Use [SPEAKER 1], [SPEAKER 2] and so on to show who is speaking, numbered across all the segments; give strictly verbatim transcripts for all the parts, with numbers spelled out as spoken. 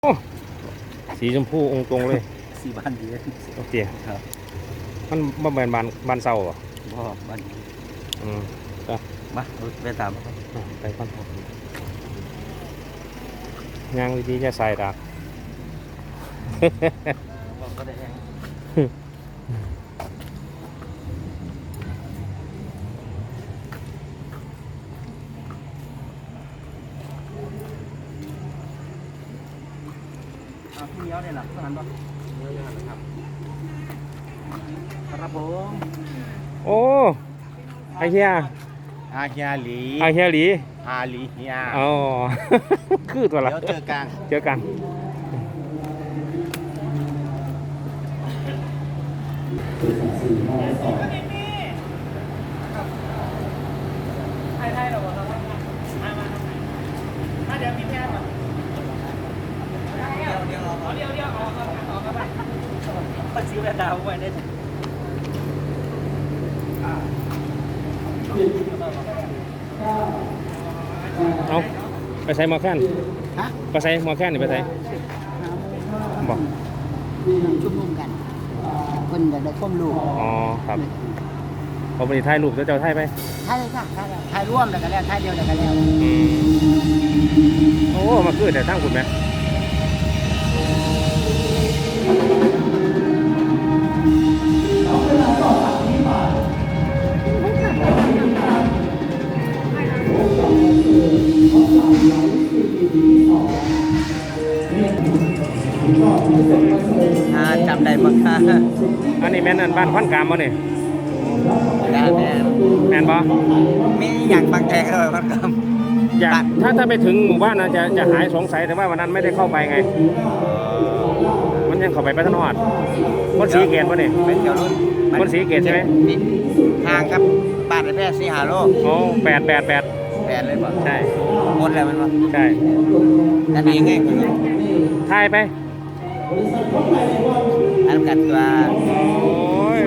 [SPEAKER 1] โอ้สีชมพูองค์ตรงเลย
[SPEAKER 2] สีบ้านดี
[SPEAKER 1] โอเค
[SPEAKER 2] ครับ
[SPEAKER 1] มันบ่แม่นบานบานเศร้าอ่ะ
[SPEAKER 2] บ่บ้านดี
[SPEAKER 1] อืมไป
[SPEAKER 2] มาไปตามครับ
[SPEAKER 1] ไปก่อนย่างดีๆจะใส่ดาก
[SPEAKER 2] ก็ได้แห้งพี่เนี้ยเนี่ยหลักทหารปะเนี้ยยังไงครับครับผม
[SPEAKER 1] โอ้ไอเฮีย
[SPEAKER 2] อาเฮียหลี
[SPEAKER 1] ไอเฮียหลี
[SPEAKER 2] อาหลีเฮีย
[SPEAKER 1] อ๋อคือตัวละ
[SPEAKER 2] เดี๋ยวเจอกัน
[SPEAKER 1] เจอกัน
[SPEAKER 3] ไทยไทยหรอวะครับมามามาเดี๋ยวพี่แจ๊บมาเดี๋ยวเดี๋ยวเดี๋ยวเดี๋ยวออกครับออกครับไปซื้อแว่นดาวไว้ได้
[SPEAKER 1] เอาไปใส่หมอแค้นไปใส่หมอแค้นนี่ไปใส่บอก
[SPEAKER 4] ชุมนุมกันคนอยากได้ข้อมลูก
[SPEAKER 1] อ๋อครับพอไปถ่ายรูปแล้วเจ้าถ่ายไป
[SPEAKER 4] ถ่ายเลยค่ะถ่ายถ่ายร่วมแล้วกันแล้วถ่ายเดียวแล้วกันแล้ว
[SPEAKER 1] โอ้มาคือแต่ตั้งคุณไหม
[SPEAKER 2] จำได้มั้งค่ะ
[SPEAKER 1] อันนี้แม่นบ้านพันกามบ่เนี่ย
[SPEAKER 2] ได้แม่
[SPEAKER 1] แม่นบ่
[SPEAKER 2] มีอย่างบางแจกเลยพันกาม
[SPEAKER 1] อยากถ้าถ้าไปถึงหมู่บ้านนะจะจะหายสงสัยแต่ว่าวันนั้นไม่ได้เข้าไปไงมันยังเข้าไปไปทางนอดคนสีเกตบ่เนี่ย
[SPEAKER 2] เป็นเดี๋ยวรุ่น
[SPEAKER 1] คนสีเกตใช่ไหม
[SPEAKER 2] ห่างครับบ้านในแพร่สี่หาโล
[SPEAKER 1] โอ้แปดแปดแปด
[SPEAKER 2] แปดเลยป่ะ
[SPEAKER 1] ใช่
[SPEAKER 2] หมดแล้วมันป่ะ
[SPEAKER 1] ใช่
[SPEAKER 2] นั่นเองไงคุณ
[SPEAKER 1] ถ่ายไป
[SPEAKER 2] อันกันตัว
[SPEAKER 1] โอ้ย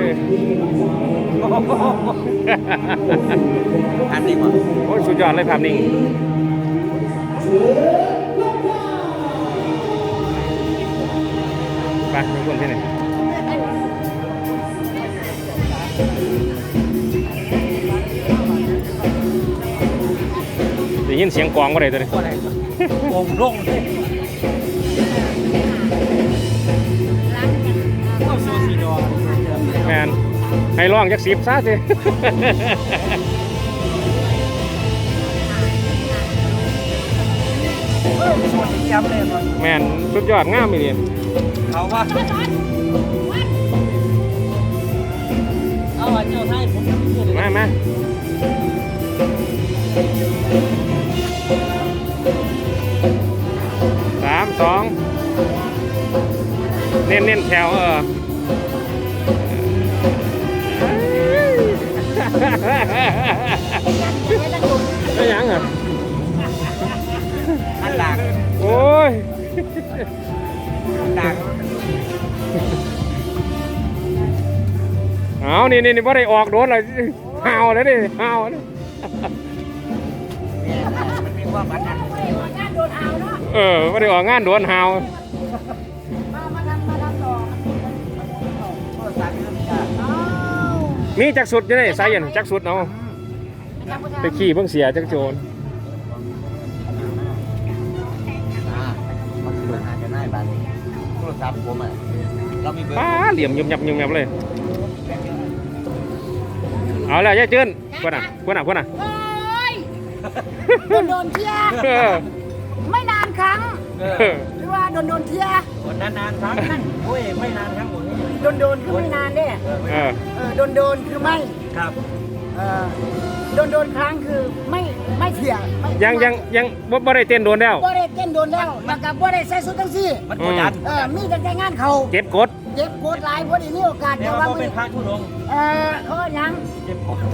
[SPEAKER 2] อันนี้ป่ะ
[SPEAKER 1] โอ้ยสุดยอดเลยภาพนิ่งไปทุกคนที่ไหนได้ยินเสียงกลองอะไรตัวนี้
[SPEAKER 2] วงร่ง
[SPEAKER 1] แมนให้ร้องจักสิบซะสิแมนสุดยอดงามเลย
[SPEAKER 2] เขาว่าเอาเจ้าไทยผม
[SPEAKER 1] มามาสามสองเน้นเน้นแถวเออไม่ยังเหรอ
[SPEAKER 2] อันดัง
[SPEAKER 1] โอ้ย
[SPEAKER 2] ดัง
[SPEAKER 1] เอานี่นี่นี่ว่าได้ออกโดนเลยห่าวเลยดิห่าวเลย
[SPEAKER 2] มันมีความบันนั้น
[SPEAKER 1] เออว่าได้ออกงานโดนห่าวมีจักสุดจะได้ใส่ยันจักสุดเนาะไปขี่เพิ่งเสียจักโจร
[SPEAKER 2] มันคือหาจะง่ายบ้านโทรศัพท์ผมอ่ะเรามีเบอร์
[SPEAKER 1] ป้าเหลี่ยมยุ่มยับยุ่มยับเลยเอาเลยยายจื้นกวนอ่ะกวนอ่ะกวนอ่ะ
[SPEAKER 4] โดนโดนเที่ยไม่นานครั้งหรือว่าโดนโดนเที่ย
[SPEAKER 2] นานนานครั้งโอ้ยไม่นานครั้งหมด
[SPEAKER 4] โดนโดนคือไม่นานเนี่ยโดนโดนคือไม่
[SPEAKER 2] ครับ
[SPEAKER 4] โดนโดนครั้งคือไม่ไม่เที่ย
[SPEAKER 1] ยังยังยังบ่ได้เต้นโดนแล้ว
[SPEAKER 4] บ่ได้เต้นโดนแล้วแล้วก็บ่ได้ใส่ชุดทั้งสี่
[SPEAKER 2] มันกดดัน
[SPEAKER 4] เออมีแต่งานเขา
[SPEAKER 1] เก็บกด
[SPEAKER 4] เก็บกดหลายพอดีมีโอกาส
[SPEAKER 2] แต่ว่าเป็นพระทุดง
[SPEAKER 4] เออเขายัง
[SPEAKER 2] เก็บกด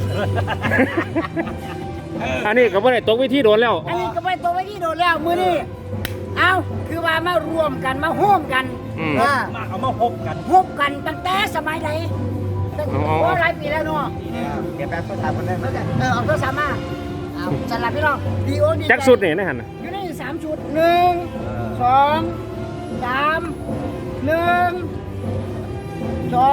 [SPEAKER 1] อันนี้ก็บ่ได้ตกวิธีโดนแล้ว
[SPEAKER 4] อันนี้ก็บ่ได้ตกวิธีโดนแล้วมื้อนี้เอาคือว่ามารวมกันมาโฮมกัน
[SPEAKER 2] มาเอามาฮบกัน
[SPEAKER 4] ฮบกันตั้งแต่สมัยไหนโอ้หลายปีแล้วเนาะ
[SPEAKER 2] เก็บแบบภาษาคนได้ไหม
[SPEAKER 4] เออเอาโทรศัพท์มาเอาสลับพี่น้องดีโอดี
[SPEAKER 1] จักสุดนี่นะฮั่น
[SPEAKER 4] อยู่ในสามชุดหนึ่งสองสามหนึ่งสอง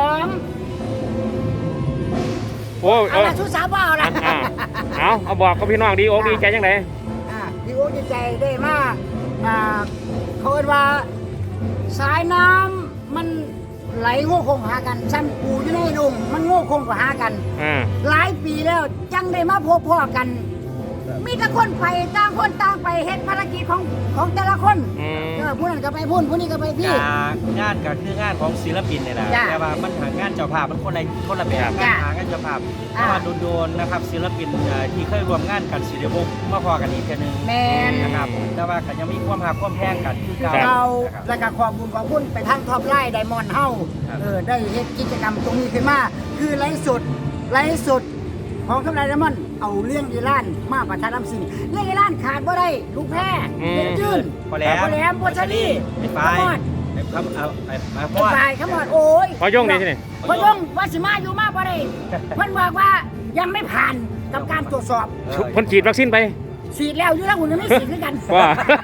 [SPEAKER 1] โอ้เอ
[SPEAKER 4] เอา
[SPEAKER 1] อ
[SPEAKER 4] ละชุดสามว่าเอาละ
[SPEAKER 1] อ่าเอาเอาบอกกับพี่น้องดีอกดีใจจังได
[SPEAKER 4] อ่าพี่โอ้ดีใจได้มากอ่าเขาเรียกว่าสายน้ำมันไหลโง่คงหากันซ้ำปูอยู่ในดงมันโง่คงกว่าหากัน
[SPEAKER 1] อ่า
[SPEAKER 4] หลายปีแล้วจังได้มาพบพ่อกัน มีแต่คนไปต่างคนต่างไปเฮ็ดภารกิจของของแต่ละคน
[SPEAKER 1] อืม
[SPEAKER 4] เออผู้นั้นก็ไปพุ่นผู้นี้ก็ไปพี่
[SPEAKER 3] จากงานก็คืองานของศิลปินเนี่ยแหละ
[SPEAKER 4] จ้ะ
[SPEAKER 3] แต่ว่ามันหางานเจ้าภาพมันคนละคนละแบบ
[SPEAKER 1] ครับ
[SPEAKER 3] งานหางานเจ้าภาพเพราะว่าโดนๆนะครับศิลปินเอ่อที่เคยร่วมงานกันศิลปกมาพอกันอีกเทื่อนึง
[SPEAKER 4] แมน
[SPEAKER 3] นะครับแต่ว่าก็ยังมีความหักความแพงกันคือเก่า
[SPEAKER 4] เรา
[SPEAKER 3] นะครับ
[SPEAKER 4] แล้วก็ขอบคุณขอบคุณไปทางท็อปไลน์ไดมอนด์เฮา
[SPEAKER 3] ครับ
[SPEAKER 4] เออได้เฮ็ดกิจกรรมตรงนี้ขึ้นมาคือไลฟ์สดไลฟ์สดของท็อปไลน์ไดมอนด์เอาเรื่องอีรานมาประชาสัมพันธ์เรื่องอีรานขาดบ่ได้ลูกแพ้เด็กจื้น
[SPEAKER 3] พอแหลม
[SPEAKER 4] พอแหลมพอชลี
[SPEAKER 3] ไอ้
[SPEAKER 4] ข
[SPEAKER 3] ปลาย
[SPEAKER 4] มอด
[SPEAKER 3] ไอ้คำเอาไอ้ไอ้พ
[SPEAKER 4] ไอ้
[SPEAKER 3] อด
[SPEAKER 4] ปลายขมอดโอ้ย
[SPEAKER 1] พอยงนี่ใช่ไหม
[SPEAKER 4] พอยงว่าสิมาอยู่มาบ่ได้เพิ่นบอกว่ายังไม่ผ่านกับการตรวจสอบ
[SPEAKER 3] เออ
[SPEAKER 1] คนฉีดวัคซีนไป
[SPEAKER 4] ฉีดแล้วอยู่แล้วหุ่นยังไม่ฉีดด้วยกัน
[SPEAKER 1] ว่า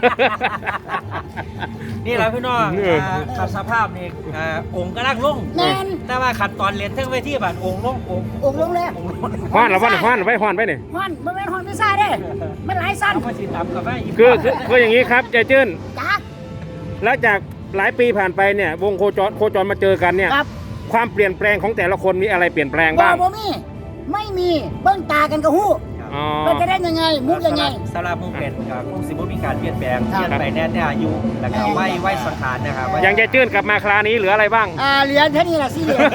[SPEAKER 3] นี่แหละพี่น้อง
[SPEAKER 1] เอออ่
[SPEAKER 3] าขัดสภาพนี่อ่าองค์กำลังลง
[SPEAKER 4] แม่น
[SPEAKER 3] แต่ว่าขัดตอนเรียนเทั้งเวทีบัดองค์ลงองค์
[SPEAKER 4] องค์ลงแล้ว
[SPEAKER 3] องค์ลง
[SPEAKER 1] ฮ้อนหรือว่าฮ้อนไปฮ้อนไปนี่
[SPEAKER 4] ฮอนบ่แม่นฮอนไม่ซ่าเด้มันหลายสั้น
[SPEAKER 3] เอามาสิตามกับแม่อีก
[SPEAKER 1] คือคือคืออย่างนี้ครับใจจื้น
[SPEAKER 4] จ้า
[SPEAKER 1] แล้วจากหลายปีผ่านไปเนี่ยวงโคจรโคจรมาเจอกันเนี่ย
[SPEAKER 4] ครับ
[SPEAKER 1] ความเปลี่ยนแปลงของแต่ละคนมีอะไรเปลี่ยนแปลง
[SPEAKER 4] บ่
[SPEAKER 1] บ้าง
[SPEAKER 4] บ่มีไม่มีเบิ้งตากันก็ฮู้
[SPEAKER 1] อ๋อ
[SPEAKER 4] มันจะได้ยังไงมุกยังไง
[SPEAKER 3] สำหรับมุกเป็ดกับคงสิบ่มีการเปลี่ยนแปลง
[SPEAKER 4] ครับ
[SPEAKER 3] เปลี่ยนไปแน่แต่อายุแล้วก็ไว้ไว้สังขารนะครับไว้
[SPEAKER 1] อย่างใจจื้นกลับมาคราวนี้เหลืออะไรบ้าง
[SPEAKER 4] อ่าเหรียญแค่นี้ล่ะสิเหรียญ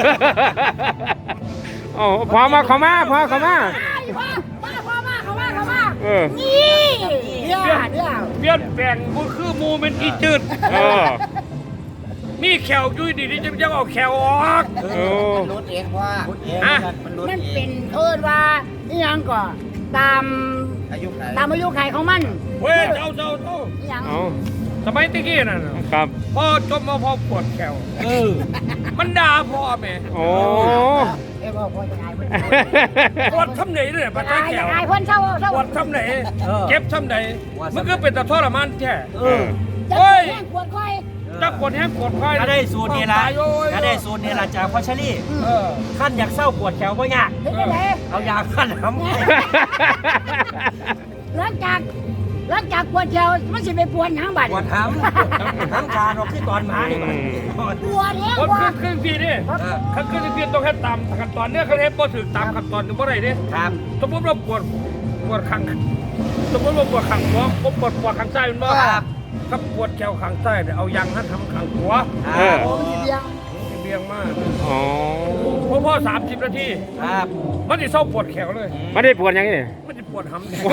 [SPEAKER 1] โอ้พอมาเขามาพอเขามา
[SPEAKER 4] พ่อมาพ่อมาเขามาเขามา
[SPEAKER 1] เออ
[SPEAKER 4] นี่เดี๋ยวเดี๋ยว
[SPEAKER 5] เปลี่ยนแปลงมันคือหมูเป็นอีจืด
[SPEAKER 1] เออ
[SPEAKER 5] มีแขวอยุ่ยดีที่จะยังเอาแขวออก
[SPEAKER 1] โอ้
[SPEAKER 2] มันรุดเองว่า
[SPEAKER 5] อ่ะ
[SPEAKER 2] มันรุด
[SPEAKER 4] มัน
[SPEAKER 2] เอ
[SPEAKER 4] เป็
[SPEAKER 2] ง
[SPEAKER 4] นเอิ้นว่าอีหยังก็ตาม
[SPEAKER 2] อายุไหน
[SPEAKER 4] ตามอายุไขของมัน
[SPEAKER 5] เว้ยเจ้าเจ้าเจ้า
[SPEAKER 4] อีหยัง
[SPEAKER 1] เอา
[SPEAKER 5] สมัยตะกี้น่ะ
[SPEAKER 1] ครับ
[SPEAKER 5] พ่อจบมาพ่อปวดแขว
[SPEAKER 3] เออ
[SPEAKER 5] มันด่าพ่อแม่
[SPEAKER 1] โอ้
[SPEAKER 4] เอ้ยบ่พ่อจะอายเพิ่น
[SPEAKER 5] ปวดทำไหนเนี่ยปัจ
[SPEAKER 4] จะ
[SPEAKER 5] จัย
[SPEAKER 4] อาย
[SPEAKER 5] แข
[SPEAKER 4] จะ
[SPEAKER 5] ว
[SPEAKER 4] อายเพิ่นเศร้าเศร้า
[SPEAKER 5] ปวดทำไหนเจ็บทำไหนมันก็เป็นแต่ทรมานแท้
[SPEAKER 3] เออ
[SPEAKER 4] จะ
[SPEAKER 5] โอ้ย
[SPEAKER 4] แห้งปวดคอย
[SPEAKER 5] จักปวดแห้งปวดคอย
[SPEAKER 3] ถ้าได้สูตรนี้ละ
[SPEAKER 5] ตายโอ้ย
[SPEAKER 3] ถ้าได้สูตรนี้ละจากพ่อชลี่
[SPEAKER 5] เออ
[SPEAKER 3] ขั้นอยากเศร้าปวดแขวบ่ยาก
[SPEAKER 4] เห็นไหม
[SPEAKER 3] เอายาขั้นน้
[SPEAKER 4] หลังจากหลังจากปวดเจียวมันสิไปปวดหางบัด
[SPEAKER 3] ำปวดห้ำทั้งการออกที่ตอนหมานี่มัน
[SPEAKER 4] ปวดเนี่ย
[SPEAKER 5] คน
[SPEAKER 4] ปว
[SPEAKER 5] ขึ้
[SPEAKER 4] ด
[SPEAKER 5] นขึ้นพี่นี่ขั้นขึ้นพี่ต้องให้ตามขั้นตอนเนี่ยเขาให้พอถึงตามขั้นตอนถึงเมื่อไรเนี่ย
[SPEAKER 3] ครับ
[SPEAKER 5] สมมติว่าปวดปวดข้างสมมติว่าปวดข้างหัวผมปวดปวดข้างซ้ายมันบ่
[SPEAKER 3] ครับ
[SPEAKER 5] ถ้าปวดแขวข้างซ้ายเนี่ยเอายางหันทำข้างขวา
[SPEAKER 1] เออ
[SPEAKER 4] โอ้ยเบียง
[SPEAKER 5] เบี่ยงมาก
[SPEAKER 1] อ๋อ
[SPEAKER 5] เพราะพ่อสามสิบนาที
[SPEAKER 3] ครับ
[SPEAKER 5] มันจะเศร้าปวดแขวเลย
[SPEAKER 1] ไม่ได้ปวดยังไงเนี่ย
[SPEAKER 5] มันจะปวดหำเนี่ย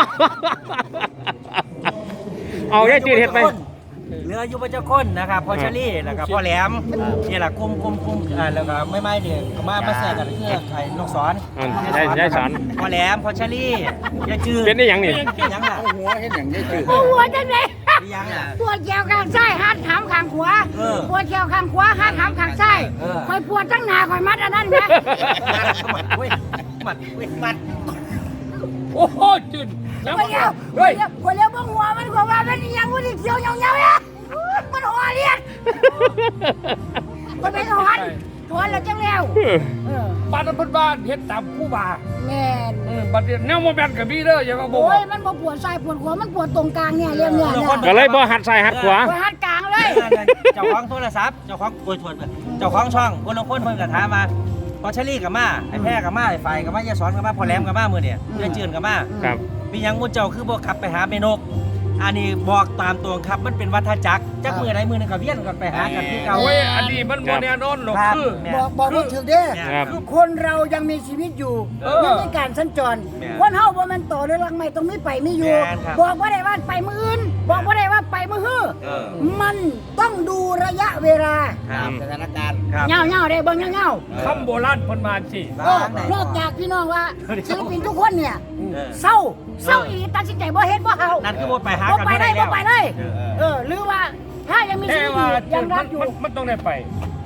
[SPEAKER 1] เอาได้จืดเห็ดไป
[SPEAKER 3] เหลืออยู่พระเจ้าคนนะครับพ่อชลี่แล้วก็พ่อแหลมนี่แหละคุมคุมคุมอ่าแล้วก็ไม่ไม่เด็กก็มามาแทรกกันคือไข่นกสอน
[SPEAKER 1] อ่าได้ได้สอน
[SPEAKER 3] พ่อแหลมพ่อชลี่อย่าจืด
[SPEAKER 1] เป็นได้ยังนี่
[SPEAKER 3] ยังล่ะ
[SPEAKER 2] หัวเห็นอย่างนี้จืด
[SPEAKER 4] ปวดจังเลย
[SPEAKER 3] ยังล่ะ
[SPEAKER 4] ปวดเจียวข้างซ้ายหัดหำข้างขวา
[SPEAKER 3] เออ
[SPEAKER 4] ปวดเจียวข้างขวาหัดหำข้างซ้าย
[SPEAKER 3] เออ
[SPEAKER 4] คอยปวดทั้งหน้าคอยมัดอันนั้นนะ
[SPEAKER 3] มัดเว้ยมัดเว้ยมัด
[SPEAKER 5] โอ้โหจืดแล้ว
[SPEAKER 4] คนเดียวคน
[SPEAKER 5] เฮ้ย
[SPEAKER 4] เดียวคนเดียวบ้งหัวมันกว่าว่าเป็นอีหยังมันเขียวเงาเงาๆเนี่ยมันหัวเรียนมันเป็นหอนหอนแล้วจังแล้วเออ
[SPEAKER 5] บ้านนั้นเพิ่นบ้านเฮ็ดตามผู้บ่า
[SPEAKER 4] แม่น
[SPEAKER 5] เออบัดเดี๋ยวแนวโมแมนกับพี่เด้ออย่ามาบอก
[SPEAKER 4] โอ้ยมันบ่ปวดซ้ายปวดขวามันปวดตรงกลางเนี่ยเรียงเนี่ยเนี่ย
[SPEAKER 1] ก็เลยบ่หัดใส่หัดขวา
[SPEAKER 4] ปวดหัดกลางเลย
[SPEAKER 3] เจ้าของโทรศัพท์เจ้าของโอ้ยโทษเจ้าของช่องคนละคนเพิ่นก็ถามมาพ่อชลี่กับมาไอ้แพ้กับมาไอ้ไฟกับมาอย่าสอนกับมาพ่อแหลมกับมามื้อเนี่ยเพื่อนจืนกับมา
[SPEAKER 1] ครับ
[SPEAKER 3] มีหยังมุนเจ้าคือบ่ขับไปหาเมนก อันนี้บอกตามตรงครับมันเป็นวัฏจักรจักมือใดมือหนึงก็เวียนกันไปหากันคือเก่า
[SPEAKER 5] โอ้ยอันนี้มันโมแนนอนหรอก
[SPEAKER 3] ครับ
[SPEAKER 5] คือ
[SPEAKER 3] แม่
[SPEAKER 4] บอกบอกว่าถึงเด้
[SPEAKER 1] ครับ
[SPEAKER 4] คือคนเรายังมีชีวิตอยู่
[SPEAKER 5] เออ
[SPEAKER 4] ยังมีการสัญจร
[SPEAKER 3] แม่น
[SPEAKER 4] คนเฮาบ่แมันต่อเลยลังไม่ต้องมีไปมีอยู่
[SPEAKER 3] แม่นครับ
[SPEAKER 4] บอกว่าได้ว่าไปมืออื่น บอกว่าได้ว่าไปมือฮื้อ
[SPEAKER 3] เออ
[SPEAKER 4] มันต้องดูระยะเวลา
[SPEAKER 3] ครับ
[SPEAKER 2] สถานการณ์
[SPEAKER 3] ครับ
[SPEAKER 4] เงาเงาๆได้เบิ่งเงาเงา
[SPEAKER 5] คำโบราณเพิ่นมาสิ
[SPEAKER 4] ๆเออนอกจากพี่น้องว่าศิลปินทุกคนเนี่ย
[SPEAKER 3] เออ
[SPEAKER 4] เศร้าเศร้าอีตัดสินใจบ่เฮ็ดบ่เฮา
[SPEAKER 3] นั่นคือบ่ไปหา
[SPEAKER 4] บ่
[SPEAKER 3] กัน
[SPEAKER 4] ไป
[SPEAKER 3] ไม่
[SPEAKER 4] ได้
[SPEAKER 3] ได้
[SPEAKER 4] บ่
[SPEAKER 3] แล้ว
[SPEAKER 4] ไปเลย
[SPEAKER 3] เออ
[SPEAKER 4] เออหรือว่าถ้ายังมีชี
[SPEAKER 5] แต่
[SPEAKER 4] วิตอ
[SPEAKER 5] ว่า
[SPEAKER 4] ยู่
[SPEAKER 5] จื
[SPEAKER 4] ยั
[SPEAKER 5] ด
[SPEAKER 4] ง
[SPEAKER 5] มั
[SPEAKER 4] รั
[SPEAKER 5] น
[SPEAKER 4] กอยู่
[SPEAKER 5] มันมันต้องได้ไป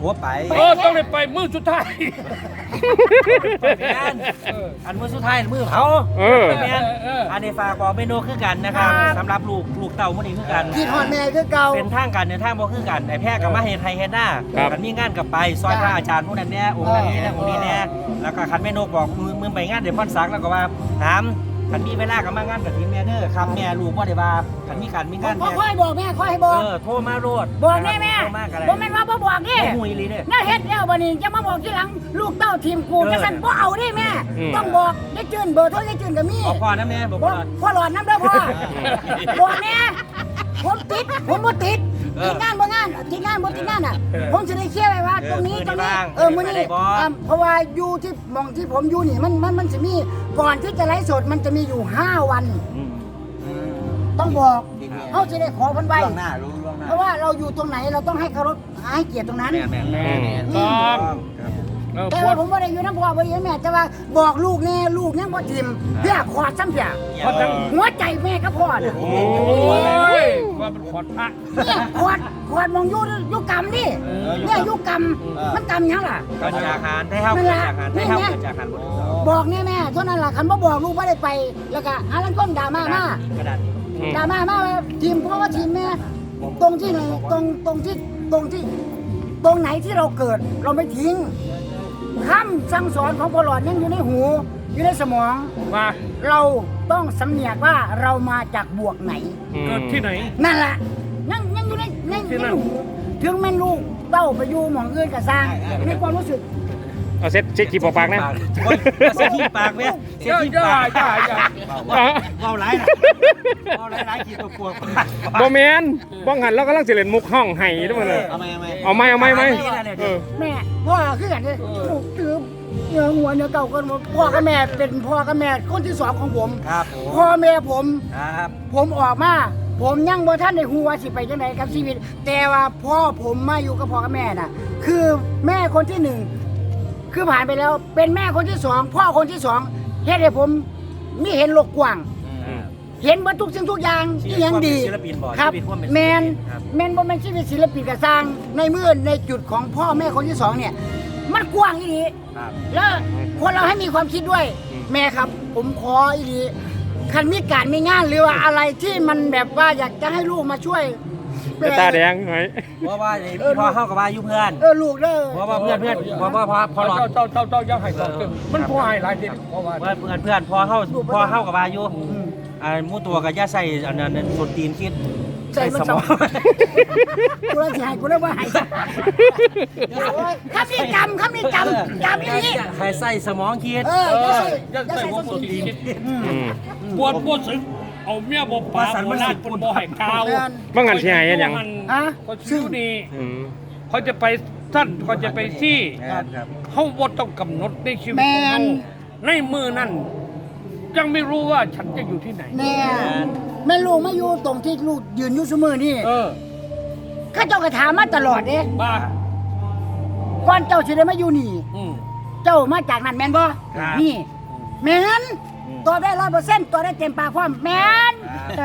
[SPEAKER 2] ผัวไป
[SPEAKER 5] เออต้องได้ไปมือสุดท้าย
[SPEAKER 3] งานอันมือสุดท้ายมือเขา
[SPEAKER 1] เออ
[SPEAKER 3] แม่นอันนี้ฝากบอกเมนูคือกันนะครับสำหรับลูกลูกเต่ามื้อนี้คือกัน
[SPEAKER 4] กินฮอดแม่คือเก่า
[SPEAKER 3] เป็นทางกันในทางบ่คือกันไอ้แพร่กับมาเฮ็ดไทยเฮ็ดหน้า
[SPEAKER 1] ครับ
[SPEAKER 3] กันมีงานกับไปซอยพระอาจารย์ผู้นั้นแน่องค์นั้นแน่องค์นี้แน่แล้วก็คันแม่นกบอกมือมือไปงานเดี๋ยวพ่อนสักแล้วก็ว่าถามคันมีเวลาก็มางานกับทีมแม่เด้อครับแม่ลูกบ่ได้ว่าคันมีการมีงาน
[SPEAKER 4] พ่อ
[SPEAKER 3] แม่
[SPEAKER 4] ค่อยบอกแม่ค่อยให้บอก
[SPEAKER 3] เออโทรมาโลด
[SPEAKER 4] บอกแม่แม่
[SPEAKER 3] โทรมากันเลย
[SPEAKER 4] บ่แม่นว่าบ่บอกนี่
[SPEAKER 3] บ่ฮู้อีหลีเด้อ
[SPEAKER 4] น่าเฮ็ดแล้วบัดนี้จะมาบอกทีหลังลูกเต้าทีมกู
[SPEAKER 3] เออ
[SPEAKER 4] จังซั่นบ่เอาเด้แม่
[SPEAKER 1] อืม
[SPEAKER 4] ต้องบอกได้จืนเบอร์โทรได้จืนก็มี
[SPEAKER 3] บอกพ่อนะแม่บอก
[SPEAKER 4] บ่
[SPEAKER 3] พ่อ
[SPEAKER 4] พ่อหลอดน้ำเด้อพ่อบอกแม่ผมติดผมบ่ติด
[SPEAKER 3] เออ
[SPEAKER 4] ติดงานบ่งานติดงานบ่ติดงานอ่ะผมสิได้เคลียร์ไว้ว่า
[SPEAKER 3] เออ
[SPEAKER 4] ตรงนี้
[SPEAKER 3] มื้
[SPEAKER 4] ต
[SPEAKER 3] อ
[SPEAKER 4] รง
[SPEAKER 3] นี้
[SPEAKER 4] นี้
[SPEAKER 3] ว่าง
[SPEAKER 4] เออมื้อนี้
[SPEAKER 3] ไปได้บ่
[SPEAKER 4] อ่าเพราะว่าอยู่ที่หมองที่ผมอยู่นี่มันมันมันสิมีก่อนที่จะไลฟ์สดมันจะมีอยู่ห้าวัน
[SPEAKER 3] อืม
[SPEAKER 4] ต้องบอก
[SPEAKER 2] จริงๆ
[SPEAKER 4] เขาจะได้ขอเพันใบ
[SPEAKER 2] ล่วงหน้ารู้ล่วงหน้า
[SPEAKER 4] เพราะว่าเราอยู่ตรงไหนเราต้องให้เคารพให้เกียรติตรงนั้น
[SPEAKER 3] แม่แม่แม่
[SPEAKER 1] อืม
[SPEAKER 5] ต้องเออ
[SPEAKER 4] แต่
[SPEAKER 5] ปว
[SPEAKER 4] ว่า
[SPEAKER 5] ด
[SPEAKER 4] ผมไม่ได้อยู่น้ำพ่อบ่ได้อยู่แม่แต่ว่าบอกลูกแน่ลูกยังบ่ทิมเพื่อขอดซ้ำเพีย
[SPEAKER 5] เพราะทั้ง
[SPEAKER 4] หัวใจแม่กับพ่อน่ะ
[SPEAKER 5] โอ้ยว่ามันขอดพระ
[SPEAKER 4] เนี่ยขอดขอดมองอยู่อยู่กรรมดิเนี่ยอยู่กรรมมันกรรมหยังล่ะ
[SPEAKER 3] ก็จากหารได้เฮา
[SPEAKER 4] นั่
[SPEAKER 3] เกิ
[SPEAKER 4] น
[SPEAKER 3] ด
[SPEAKER 4] ล่ะ
[SPEAKER 3] จากหารได้เฮาเกิดจากหารบ่ถูกต้อง
[SPEAKER 4] บอกแน่แม่เท่านั้นล่ะคันบ่บอกลูกบ่ได้ไป แล้วก็หาลังก้นด่ามามา
[SPEAKER 3] กระดาษนี้
[SPEAKER 1] อืม
[SPEAKER 4] ด่ามามาว่าทีมเพราะว่าทีมแม่ตรงที่ไหนตรงตรงที่ตรงที่ ตรงไหนที่เราเกิดเราไม่ทิ้งคำสั่งสอนของพ่อหลอดยังอยู่ในหู อยู่ในสมอง
[SPEAKER 5] มา
[SPEAKER 4] เราต้องสำเนียกว่าเรามาจากบวกไหน
[SPEAKER 5] เกิดที่ไหน
[SPEAKER 4] นั่นแหละยังยังอยู่ในยัง
[SPEAKER 5] ที่
[SPEAKER 4] ยัง
[SPEAKER 5] นั่
[SPEAKER 4] อน ยู่ถึงแม่นลูกเต้าไปอยู่หมองอื่นกับสร้างในความรู้สึก
[SPEAKER 1] เอาเซ็ตเซ็ตขีบปากนะ
[SPEAKER 3] โอ้ยเสียที่ปากแม่เสีย
[SPEAKER 5] ย่า
[SPEAKER 3] ที่
[SPEAKER 5] ย่า
[SPEAKER 3] ปาก
[SPEAKER 5] ย่าย่า
[SPEAKER 3] เอาหลายนะเอาหลายหลายขีดตัวปวด
[SPEAKER 1] บ่แม่นบ้องหันแล้วกำลังสิเล่นมุกห้องไห้ด้วยมันเลย
[SPEAKER 2] เอาไหมเอาไหม
[SPEAKER 1] เอาไหมเอาไหมไหมเออ
[SPEAKER 4] แม่พ่อคือกันเลยลูกตืมเนื้อหัวเนื้อเก่ากันหมดพ่อกับแม่เป็นพ่อกับแม่คนที่สองของผม
[SPEAKER 3] ครับผม
[SPEAKER 4] พ่อแม่ผม
[SPEAKER 3] ครับ
[SPEAKER 4] ผมออกมา ผมยังบ่ท่านได้ฮู้ว่าสิไปจังไดกับชีวิต แต่ว่าพ่อผมมาอยู่กับพ่อกับแม่น่ะ คือแม่คนที่หนึ่งคือผ่านไปแล้วเป็นแม่คนที่สองพ่อคนที่สองเฮ็ดให้ผมมีเห็นโลกกว้าง เห็นว่าทุกสิ่งทุกอย่างที่ยังดี
[SPEAKER 3] ศิลปินบ่
[SPEAKER 4] ครับ
[SPEAKER 3] ชีวิตความเป็น
[SPEAKER 4] แมน
[SPEAKER 3] ศิลปินครับ
[SPEAKER 4] แมนบ่แมนชีวิตศิลปินกระสร้างในเมื่อในจุดของพ่อแม่คนที่สองเนี่ย มันกว้างอีหลี
[SPEAKER 3] ครับ
[SPEAKER 4] แล้วคนเราให้มีความคิดด้วย
[SPEAKER 1] อืม
[SPEAKER 4] แม่ครับ ผมขออีหลีคันมีการมีงานหรือว่าอะไรที่มันแบบว่าอยากจะให้ลูกมาช่วย
[SPEAKER 1] เป็นตาแดงไหม
[SPEAKER 3] เพราะว่าพี่พ่อเข้ากับว่าอยู่เพื่อน
[SPEAKER 4] เออลูกเด้อ
[SPEAKER 3] เพราะว่าเพื่อนเพื่อนเพราะว่าพอพอหลอด
[SPEAKER 5] เจ้าเจ้าเจ้าเจ้าให้ต่อเติมมันพอให้หลายทีเพราะว่า
[SPEAKER 3] เพื่อนเพื่อนเพื่อนพอเข้าพอเข้ากับว่าอยู่อ่ามู่ตัวกับย่าใส่อันนั้นส่วนตีนคิด
[SPEAKER 4] ใส่มันสมองกูเลยสิให้กูเลยว่าให้คำนี้จำคำนี้จำจำอีหลี
[SPEAKER 3] ให้ใส่สมองคิด
[SPEAKER 4] เออ
[SPEAKER 5] เอ
[SPEAKER 4] อย่า
[SPEAKER 5] อ
[SPEAKER 4] ใส่อย่า
[SPEAKER 5] จะใส่
[SPEAKER 4] ใส่
[SPEAKER 5] หัว
[SPEAKER 4] ส
[SPEAKER 5] ปวด
[SPEAKER 4] ม
[SPEAKER 5] ที
[SPEAKER 4] อง
[SPEAKER 1] อืม
[SPEAKER 5] ปวดปวดสึงเอาเมียบ่ปาบ่ลาดปนบ่ให้ข่าว
[SPEAKER 1] บ้องหันสิให้เฮ็ดหยัง
[SPEAKER 4] ฮะ
[SPEAKER 5] เขาชื่อนี่
[SPEAKER 1] อืม
[SPEAKER 5] เขาจะไปสั้นเขาจะไปที่
[SPEAKER 3] ครับ
[SPEAKER 5] เขาบ่ต้องกำหนดในชีวิต
[SPEAKER 4] แม
[SPEAKER 5] ของเขา
[SPEAKER 4] น
[SPEAKER 5] ในมือนั้นยังไม่รู้ว่าฉันจะอยู่ที่ไหน
[SPEAKER 4] แม่แม่ลูกมาอยู่ตรงที่ลูกยืนอยู่เสมอนี่
[SPEAKER 5] เออ
[SPEAKER 4] ข้าเจ้าก็ถามมาตลอดเด้
[SPEAKER 5] บ้า
[SPEAKER 4] ก่อนเจ้าสิได้มาอยู่นี่
[SPEAKER 5] อืม
[SPEAKER 4] เจ้ามาจากนั่นแม่นบ่
[SPEAKER 5] ครับ
[SPEAKER 4] นี่แม่นตอบได้ร้อยเปอร์เซ็นต์ตอบได้เต็มปากความแม่น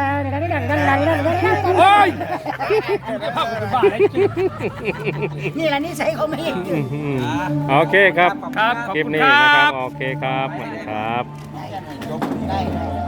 [SPEAKER 5] โอ้ยภาพเป็นบ้าเลยจริง
[SPEAKER 4] นี่แหละนิสัยเขาไม่
[SPEAKER 1] อืมโอเคครับ
[SPEAKER 5] ครับขอบ
[SPEAKER 1] คลิป
[SPEAKER 5] คุณ
[SPEAKER 1] นี้
[SPEAKER 5] ครั
[SPEAKER 1] นะครับ
[SPEAKER 5] บ
[SPEAKER 1] โอเคครับสวัสดีครับ
[SPEAKER 4] ได้ได้